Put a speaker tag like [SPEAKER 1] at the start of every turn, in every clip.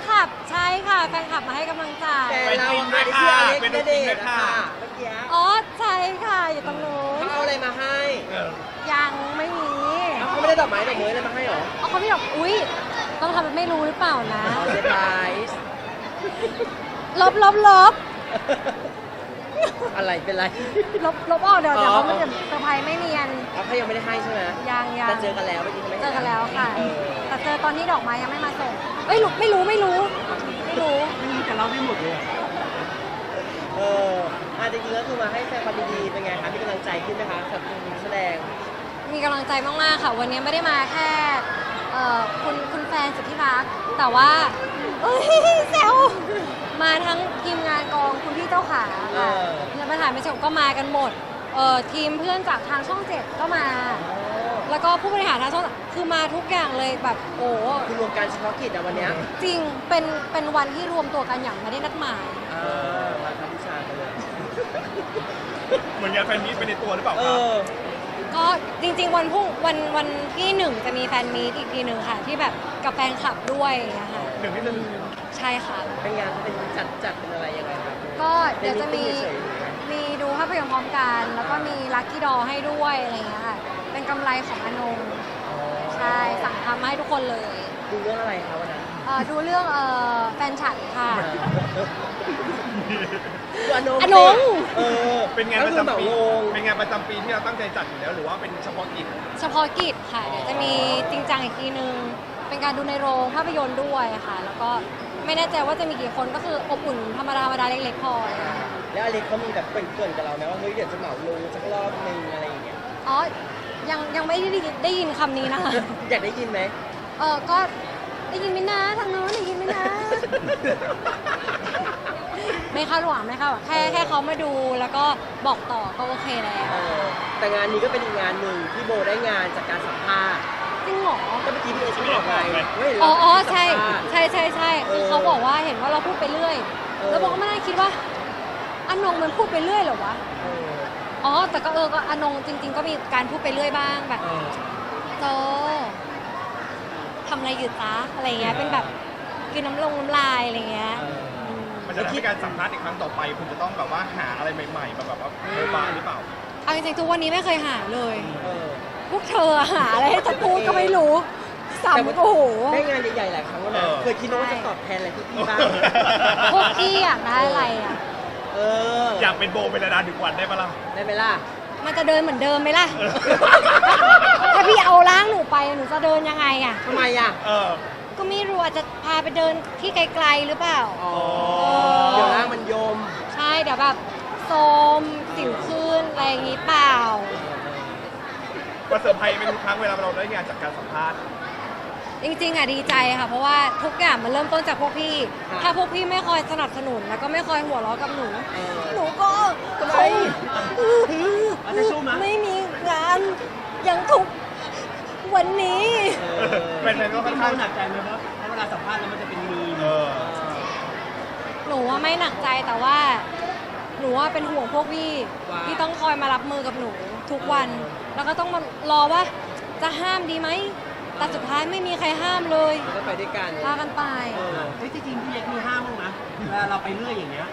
[SPEAKER 1] คลับใช่ค่ะแฟนคลับมาให้กำลังใจ
[SPEAKER 2] แต่เราไม่ได้ชื่ออเล็กณเดชน์ค่ะเมื่อกี้
[SPEAKER 1] อ๋อใช่ค่ะอยู่ตรงนู้น
[SPEAKER 2] เขาเอาอะไรมาให้
[SPEAKER 1] ยังไม่มี
[SPEAKER 2] เขาไม่ได้ดอกไม้ดอกไม้อะไรมาให้หรอ
[SPEAKER 1] เอาเขาไม่บอกอุ๊ยต้องทำเป็นไม่รู้หรือเปล่านะ
[SPEAKER 2] เซอร์ไพรส์
[SPEAKER 1] ลบ
[SPEAKER 2] อะไรเป็นไร
[SPEAKER 1] ลบออกเดี๋ยวเขาไม่จะเซอร์ไพรส์ไม่เนียน
[SPEAKER 2] เขายังไม่ได้ให้ใช่ไหม
[SPEAKER 1] ยัง
[SPEAKER 2] จะเจอกันแล้วเมื่อกี้เขาไม่
[SPEAKER 1] เจอกันแล้วค่ะ
[SPEAKER 2] เออ
[SPEAKER 1] แต่เจอตอนที่ดอกไม้ยังไม่มาส่งเอ้ยไม่รู้ไม่รู้
[SPEAKER 2] แต่เราได้หมดเลยจริงๆแล้วคือมาให้แฟนความดีๆเป็นไงคะมีกำลังใจขึ้นไหมคะกับคุณแสดง
[SPEAKER 1] มีกำลังใจมากๆค่ะ วันนี้ไม่ได้มาแค่คุณแฟนสุดที่รักแต่ว่าเอ้ยแซวมาทั้งทีมงานกองคุณพี่เจ้าขาค่ะแล้วประธานไม่ชมก็มากันหมดทีมเพื่อนจากทางช่อง7ก็มา แล้วก็ผู้บริหารทางช่องคือมาทุกอย่างเลยแบบโอ้
[SPEAKER 2] คือรวมการเฉพาะกิจอะวันเนี้ย
[SPEAKER 1] จริงเป็นวันที่รวมตัวกันอย่างไม่ได้นัดหมาย
[SPEAKER 2] มาทำวิชากันเลย
[SPEAKER 3] เหมือนงานแฟนมีตไปในตัวหรือเปล่า
[SPEAKER 2] เอ
[SPEAKER 3] ครับ
[SPEAKER 2] อ
[SPEAKER 1] ก็จริงๆวันที่1จะมีแฟนมีตอีกทีหนึ่งค่ะ ที่แบบกับแฟนคลับด้วยนะคะ
[SPEAKER 3] หนึ่งที่จะ
[SPEAKER 1] ใช่ค่ะ
[SPEAKER 2] เป็นงานเป็นจัดเป็นอะไรยังไงครับ
[SPEAKER 1] ก็เดี๋ยวจะมี
[SPEAKER 2] เป็น meeting เฉย
[SPEAKER 1] มีดูภาพยนตร์พร้อมกัน แล้วก็มีลัคกี้ดอให้ด้วยอะไรอย่างเงี้ยค่ะ เป็นกำไรของอนงใช่สั่งทำมาให้ทุกคนเลย
[SPEAKER 2] ดูเรื่องอะไรคะวันนั้น
[SPEAKER 1] ดูเรื่องแฟนฉันค่ะ
[SPEAKER 2] คืออนง
[SPEAKER 1] อนง
[SPEAKER 3] เป็นงานประจำปี
[SPEAKER 2] ก็คือเหมาลง
[SPEAKER 3] เป็นงานประจำปีที่เราตั้งใจจัดอยู่แล้วหรือว่าเป็นเฉพาะกิจ
[SPEAKER 1] เฉพาะกิจค่ะ เดี๋ยวจะมีจริงจังอีกทีนึง เป็นการดูในโรงภาพยนตร์ด้วยค่ะ แล้วก็ไม่แน่ใจว่าจะมีกี่คนก็คืออบอุ่นธรรมดาเล็กๆพออะไรอย่างเงี้ย
[SPEAKER 2] แล้วอเล็กเขามีแบบเกริ่นๆกับเราไหมว่าเฮ้ยเดี๋ยวจะเหมาลงสักรอบนึงอะไรอย่างเงี้ย
[SPEAKER 1] อ๋อ ยังไม่ได้ยินคำนี้นะคะ
[SPEAKER 2] อยากได้ยินไหม
[SPEAKER 1] ก็ได้ยินไหมนะทางโน้นได้ยินไหมนะ ไม่คาดหวังไม่คาดหวังแค่เขามาดูแล้วก็บอกต่อก็โอเคแล้ว
[SPEAKER 2] แต่งานนี้ก็เป็นอีกงานหนึ่งที่โบได้งานจากการสัมภาษณ์
[SPEAKER 1] จริงเหรอ
[SPEAKER 2] ก็เมื่อกี้พี่เอชบอกไปเฮ้ย
[SPEAKER 1] อ๋อ
[SPEAKER 2] เรา
[SPEAKER 1] ใช่
[SPEAKER 2] สัมภาษณ์
[SPEAKER 1] ใช่คือเขาบอกว่าเห็นว่าเราพูดไปเรื่อย แล้วบอกก็ไม่ได้คิดว่าอนงมันพูดไปเรื่อยเหรอวะ
[SPEAKER 2] เออ
[SPEAKER 1] อ๋อแต่ก็ก็อนงจริง ๆ ก็มีการพูดไปเรื่อยบ้างแบบโจทำอะไรอยู่จ๊ะอะไรเงี้ยเป็นแบบกินน้ำลายอะไรเงี้ย
[SPEAKER 3] มันจะทำให้การสัมภาษณ์อีกครั้งต่อไปคุณจะต้องแบบว่าหาอะไรใหม่ๆมาแบบว่าโบบาหรือเปล่า
[SPEAKER 1] เอาจริงๆทุกวันนี้ไม่เคยหาเลย
[SPEAKER 2] เออ
[SPEAKER 1] พวกเธอหาอะไรให้จะพูดก็ไม่รู้สัมโอ้โห
[SPEAKER 2] ได้งานใหญ่ๆหลายครั้งแล้วนะเคยคิดว่าจะตอบแทนอะไรพี่บ้าง
[SPEAKER 1] พวกพี่อยากได้อะไรอ่ะ
[SPEAKER 3] อยากเป็นโบเป็นระดาถึงวันได้ปะล่ะ
[SPEAKER 2] ได้ไหมล่ะ
[SPEAKER 1] มันจะเดินเหมือนเดิมไหมล่ะ ถ้าพี่เอาร่างหนูไปหนูจะเดินยังไงอ่ะ
[SPEAKER 2] ทำไมอ่ะ
[SPEAKER 1] ก็ไม่รู้อาจจะพาไปเดินที่ไกลๆหรือเปล่า
[SPEAKER 2] เดี๋ยวร่างมันโยม
[SPEAKER 1] ใช่เดี๋ยวแบบโซมสิวขึ้นอะไรอย่างงี้เปล่า
[SPEAKER 3] มาเซอร์ไพรส์เป็นทุกครั้งเวลาเราได้งานจากการสัมภาษณ์
[SPEAKER 1] จริงๆอ่ะดีใจค่ะ เพราะว่าทุกอย่างมันเริ่มต้นจากพวกพี่
[SPEAKER 2] ครับ
[SPEAKER 1] ถ้าพวกพี่ไม่คอยสนับสนุนแล้วก็ไม่คอยหัวเราะกับหนู หนูก็
[SPEAKER 2] ทำไม จะสู้มั้ย
[SPEAKER 1] ไม่มีงานอย่างทุกวันนี้
[SPEAKER 3] เป็นก็ค่อนข้าง
[SPEAKER 2] หนักใจไหมเพราะเวลาสัมภาษณ์แล้วมันจะเป็นมีม
[SPEAKER 1] หนูว่าไม่หนักใจแต่ว่า หนูว่าเป็นห่วงพวกพี่ที่ต้องคอยมารับมือกับหนูทุกวัน แล้วก็ต้องมารอว่าจะห้ามดีไหมแต่สุดท้ายไม่มีใครห้ามเลย
[SPEAKER 2] ก็ไปด้วยกัน
[SPEAKER 1] พากันไป
[SPEAKER 2] จริงๆพี่เล็กมีห้ามบ้างนะเวลาเราไปเรื่อยอย่างเงี้ย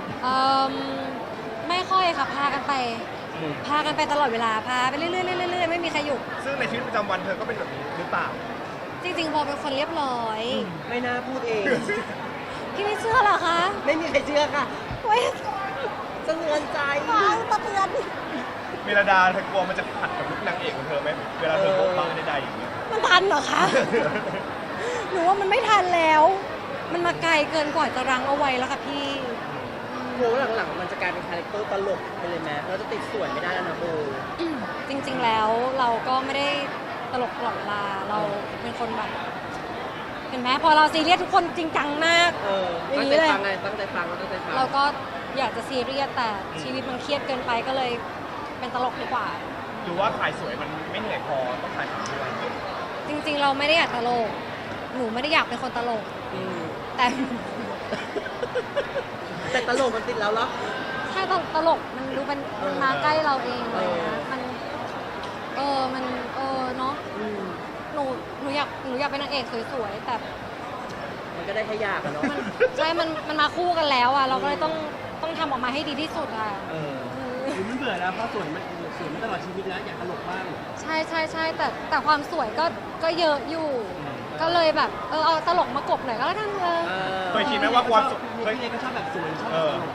[SPEAKER 1] ไม่ค่อยค่ะพากันไปตลอดเวลาพาไปเรื่อยๆเรื่อยๆไม่มีใครหยุด
[SPEAKER 3] ซึ่งในชีวิตประจำวันเธอก็เป็นแบบนี้หรือเปล่า
[SPEAKER 1] จริงๆพอเป็นคนเรียบร้อย
[SPEAKER 2] ไม่น่าพูดเอง
[SPEAKER 1] พี่ไม่เชื่อเหรอคะ
[SPEAKER 2] ไม่มีใครเชื่อค่ะ
[SPEAKER 1] เว้ย
[SPEAKER 2] สะเทือนใจ
[SPEAKER 1] ฟังสะเทือน
[SPEAKER 3] เมลดาเธอกลัวมันจะขัดกับลุคนางเอกของเธอไหมเวลาเธอโบบาใดๆอย่างเงี้ย
[SPEAKER 1] มันทันเหรอคะ หนูว่ามันไม่ทันแล้ว มันมาไกลเกินกว่าจะรั้งเอาไว้แล้วค่ะพี่
[SPEAKER 2] โบหลังๆมันจะกลายเป็นคาแรคเตอร์ตลกไปเลยไหมเราจะติดส่วนไม่ได้แล้วนะโบ
[SPEAKER 1] จริงๆแล้วเราก็ไม่ได้ตลกตลอดเวลาเราเป็นคนแบบ เห็นไหมพอเราซีเรียสทุกคนจริงจังมาก
[SPEAKER 2] ตั้งใจฟังไงตั้งใจฟังเราตั้งใจฟัง
[SPEAKER 1] เราก็อยากจะซีเรียสแต่ชีวิตมันเครียดเกินไปก็เลยเป็นตลกดีกว่า
[SPEAKER 3] หรือว่าถ่ายสวยมันไม่เหนื่อยพอต้องถ่ายสวยด้วย
[SPEAKER 1] จริงๆเราไม่ได้อยากตลก หนูไม่ได้อยากเป็นคนตลก แต่
[SPEAKER 2] แต่ตลกมันติดแล้วเหรอ
[SPEAKER 1] ถ้าตลกมันดูมันมาใกล้เราเองอะไรเงี้ยมันเนาะหนูอยากเป็นนางเอกสวยๆแต่
[SPEAKER 2] ก็ได้แค่อยากอะเนาะ
[SPEAKER 1] ใช่มันมาคู่กันแล้วอ่ะเราก็เลยต้องทำออกมาให้ดีที่สุดอ่ะ
[SPEAKER 2] เออ
[SPEAKER 4] หรือมันเบื่อแล้วเพราะสวยมันตลอดชีวิตแล้วอยากตลกบ้าง
[SPEAKER 1] ใช่แต่ความสวยก็เยอะอยู่ ก็เลยแบบเอาตลกมากบหน่อยก็แล้วกัน
[SPEAKER 2] เอ
[SPEAKER 1] เลย
[SPEAKER 2] อ
[SPEAKER 3] เคยคิดไหมว่าความสุข
[SPEAKER 4] เคยเองก็ชอบแบบสวยชอบ
[SPEAKER 3] เอ
[SPEAKER 4] แบบ
[SPEAKER 3] อ
[SPEAKER 4] ตลก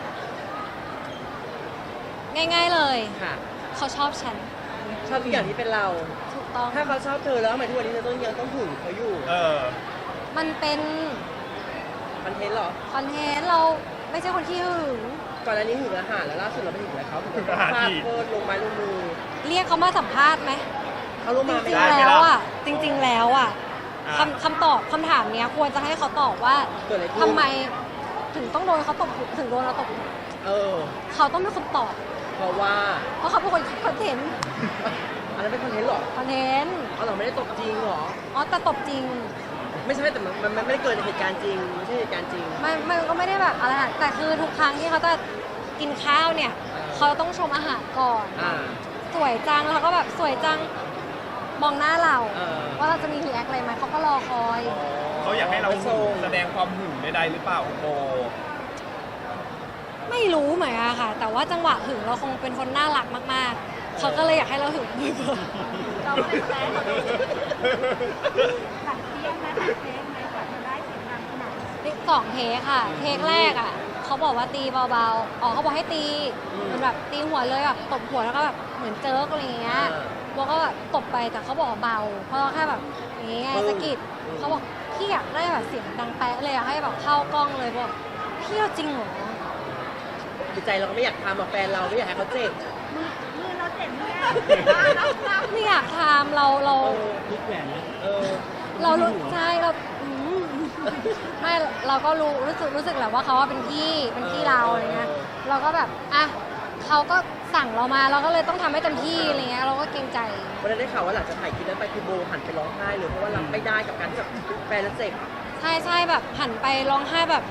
[SPEAKER 1] ง่ายๆเลย
[SPEAKER 2] ค่ะ
[SPEAKER 1] เขาชอบฉัน
[SPEAKER 2] ชอบทุกอย่างที่เป็นเรา
[SPEAKER 1] ถูกต้อง
[SPEAKER 2] ถ้าเขาชอบเธอแล้วทำไมทุกวันนี้เธอยังต้องหึงเขาอยู่
[SPEAKER 3] เออ
[SPEAKER 1] มันเป็น
[SPEAKER 2] คอนเทนต์เหรอ
[SPEAKER 1] คอนเทนต์เราไม่ใช่คนที่หึง
[SPEAKER 2] ก่อนอันนี้หึงอาหารแล้วล่าสุดเราไปหึงอะไรเขา
[SPEAKER 3] หึงอาหาร
[SPEAKER 2] ฟาด
[SPEAKER 3] อีก
[SPEAKER 2] โคตรลงไม้ลงมือ
[SPEAKER 1] เรียกเขามาสัมภาษณ์ไหม
[SPEAKER 2] เขาลง
[SPEAKER 1] จ
[SPEAKER 2] มา
[SPEAKER 1] ริ
[SPEAKER 2] ไม่
[SPEAKER 1] ง
[SPEAKER 2] ได้
[SPEAKER 1] ๆ
[SPEAKER 3] ไม่ได้
[SPEAKER 1] แล้วอ่ะจริง ๆ แล้วอ่ะ
[SPEAKER 3] อ่ะ
[SPEAKER 1] คำถามเนี้ยควรจะให้เขาตอบว่า
[SPEAKER 2] เกิดอะไรขึ้น
[SPEAKER 1] ทำไมถึงต้องโดนเขาตบถึงโดนเราตบ
[SPEAKER 2] เออ
[SPEAKER 1] เขาต้องเป็นคนตอบ
[SPEAKER 2] เพราะว่า
[SPEAKER 1] เพราะเขาเป็นคนคิดคอนเทนต์
[SPEAKER 2] อันนั้นเป็นคอนเทนต์เหรอ
[SPEAKER 1] คอนเทนต์
[SPEAKER 2] เอาเราไม่ได้ตบจริงเหรอ
[SPEAKER 1] อ๋อแต่ตบจริง
[SPEAKER 2] ไม่ใช่แต่มันไม่ได้เกิดในเหตุการณ์จริงไม่ใช่เหตุการณ์จริง
[SPEAKER 1] มันก็ไม่ได้แบบอะไรนะแต่คือทุกครั้งที่เขาจะกินข้าวเนี่ย เขาต้องชมอาหารก่อน
[SPEAKER 2] อ่า
[SPEAKER 1] สวยจังแล้วเขาก็แบบสวยจังมองหน้าเรา
[SPEAKER 2] เออ
[SPEAKER 1] ว่าเราจะมีรีแอคอะไรไหมเขาก็รอคอย
[SPEAKER 3] เขาอยากให้เรา
[SPEAKER 2] ส่ง
[SPEAKER 3] แสดงความหึงใดๆหรือเปล่าคุณโบ
[SPEAKER 1] ไม่รู้เหมือนกันค่ะ แต่ว่าจังหวะหึงเราคงเป็นคนน่ารักมากๆ เขาก็เลยอยากให้เราหึงบ่อย
[SPEAKER 5] เราก็เป็นแฟนเขาตัดเทียงนะตัดเทงไหมกว่าจะได้เสียงดังขนาดนี้
[SPEAKER 1] ๆนี่สองเทคค่ะ เทคแรกอ่ะเขาบอกว่าตีเบาๆอ๋อเขาบอกให้ตีเหมือนแบบตีหัวเลยแบบตบหัวแล้วก็แบบเหมือนเจิร์กอะไรอย่างเงี้ยโบก็แบบตบไปแต่เขาบอกว่าเบา เพราะเราแค่แบบอย่างเงี้ยสะกิดเขาบอกพี่อยากได้แบบเสียงดังแป๊ะเลยอยากให้แบบเข้ากล้องเลยบอกพี่เอาจริงเหรอ
[SPEAKER 2] จิตใจเราก็ไม่อยากทำกับแฟนเราไม่อยากให้เขาเจ็บ
[SPEAKER 5] มือเราเจ็บเนี่ย
[SPEAKER 1] ไม่อยากทำเรา
[SPEAKER 2] เออ
[SPEAKER 4] พลิกแหวนนะ
[SPEAKER 2] เออ
[SPEAKER 1] เรารู้ใช่เราไม่เราก็รู้สึกแหละว่าเขาว่าเป็นพี่เราอะไรเงี้ยเราก็แบบอ่ะเขาก็สั่งเรามาเราก็เลยต้องทำให้เต็มที่อะไรเงี้ยเราก็เกรงใจ
[SPEAKER 2] วันนั้นได้ข่าวว่าหลังจากถ่ายคลิปนั้นไปคือโบหันไปร้องไห้เลยเพราะว่ารับไม่ได้กับการที่แบบแฟนแล้วเจ็บ
[SPEAKER 1] ใช่แบบหันไปร้องไห้แบบ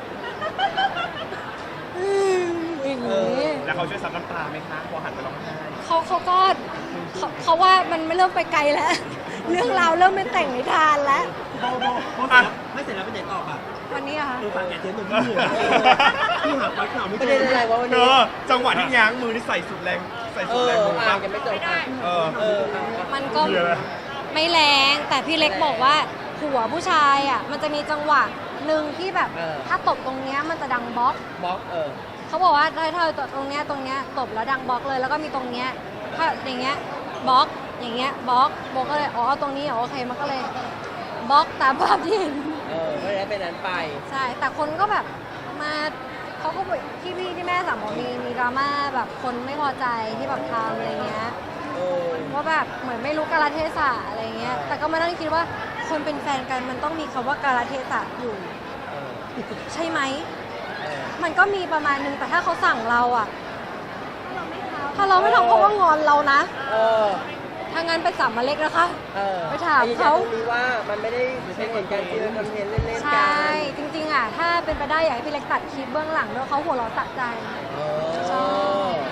[SPEAKER 1] อย่างนี้
[SPEAKER 3] แล้วเขาช่วยซับน้ำตาไหมคะพอหันไปร้องไห้
[SPEAKER 1] เขาก็เขาว่ามันไม่เริ่มไปไกลแล้ว เรื่องราวเริ่มเป็นแต่งนิทานแล้ว
[SPEAKER 4] โบไม่เสร็จแล้วไปไหนต่อป่ะ
[SPEAKER 1] วันนี้อะค่ะ
[SPEAKER 4] ฝากแกเจ๊หนุ่มที่เหนื่อยที่หาปลั๊กข่าวไม่
[SPEAKER 2] ประ
[SPEAKER 4] เจ
[SPEAKER 2] เด็
[SPEAKER 4] อน
[SPEAKER 2] อะไรวะวัน
[SPEAKER 3] เธ
[SPEAKER 2] นี้
[SPEAKER 3] อจังหวะที่ง้างมือนี่ใส่สุดแรงใส่
[SPEAKER 2] เอ
[SPEAKER 3] สุด
[SPEAKER 2] อ
[SPEAKER 3] แรงมือ
[SPEAKER 2] อ่า
[SPEAKER 3] ปั๊บ
[SPEAKER 2] ยังไม่จบอ่ะ
[SPEAKER 3] เออ
[SPEAKER 2] เออ
[SPEAKER 1] มันก็
[SPEAKER 3] เหี้ยเลย
[SPEAKER 1] ไม่แรงแต่พี่เล็กบอกว่าหัวผู้ชายอ่ะมันจะมีจังหวะหนึ่งที่แบบถ้าตบตรงเนี้ยมันจะดังบล็อก
[SPEAKER 2] บล็อก
[SPEAKER 1] เขาบอกว่าถ้าเธอตรงเนี้ยตบแล้วดังบล็อกเลยแล้วก็มีตรงเนี้ยถ้าอย่างเงี้ยบล็อกอย่างเงี้ยบล็อกโบก็เลยอ๋อตรงนี้อ๋อโอเคมันก็เลยบล็อกตามภาพที่เห็น
[SPEAKER 2] ไม่ได้เป็นนั้นไป
[SPEAKER 1] ใช่แต่คนก็แบบมาเขาก็บอกพี่ที่แม่สั่งบอกมีดราม่าแบบคนไม่พอใจที่แบบทำอะไรเงี้ย
[SPEAKER 2] เออ
[SPEAKER 1] ว่าแบบเหมือนไม่รู้กาลเทศะอะไรเงี้ยแต่ก็มานั่งคิดว่าคนเป็นแฟนกันมันต้องมีคำว่ากาลเทศะอยู่
[SPEAKER 2] เออ
[SPEAKER 1] ใช่ไหม
[SPEAKER 2] เออ
[SPEAKER 1] มันก็มีประมาณนึงแต่ถ้าเขาสั่งเราอะ
[SPEAKER 5] เราไม่ทำ
[SPEAKER 1] ถ้าเราไม่ทำเขาก็งอนเรานะ
[SPEAKER 2] เออ
[SPEAKER 1] ถ้างั้นไปสั่งมาเล็กนะคะ
[SPEAKER 2] เออ
[SPEAKER 1] ไปถามเขา
[SPEAKER 2] ไอ้นี่ว่ามันไม่ได้เป็นเหตุการณ์จริงคอนเทนต์เล่นๆกัน
[SPEAKER 1] ใช่จริงๆอะถ้าเป็นไปได้อยากให้พี่เล็กตัดคลิปเบื้องหลังด้วยเขาหัวเราะสะใจ
[SPEAKER 2] เออ
[SPEAKER 1] ชอบ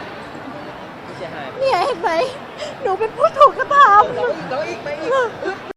[SPEAKER 2] เสียหาย
[SPEAKER 1] เนี่ยเห็นไหมหนูเป็นผู้ถูกกระท
[SPEAKER 2] เราอีกไปอีก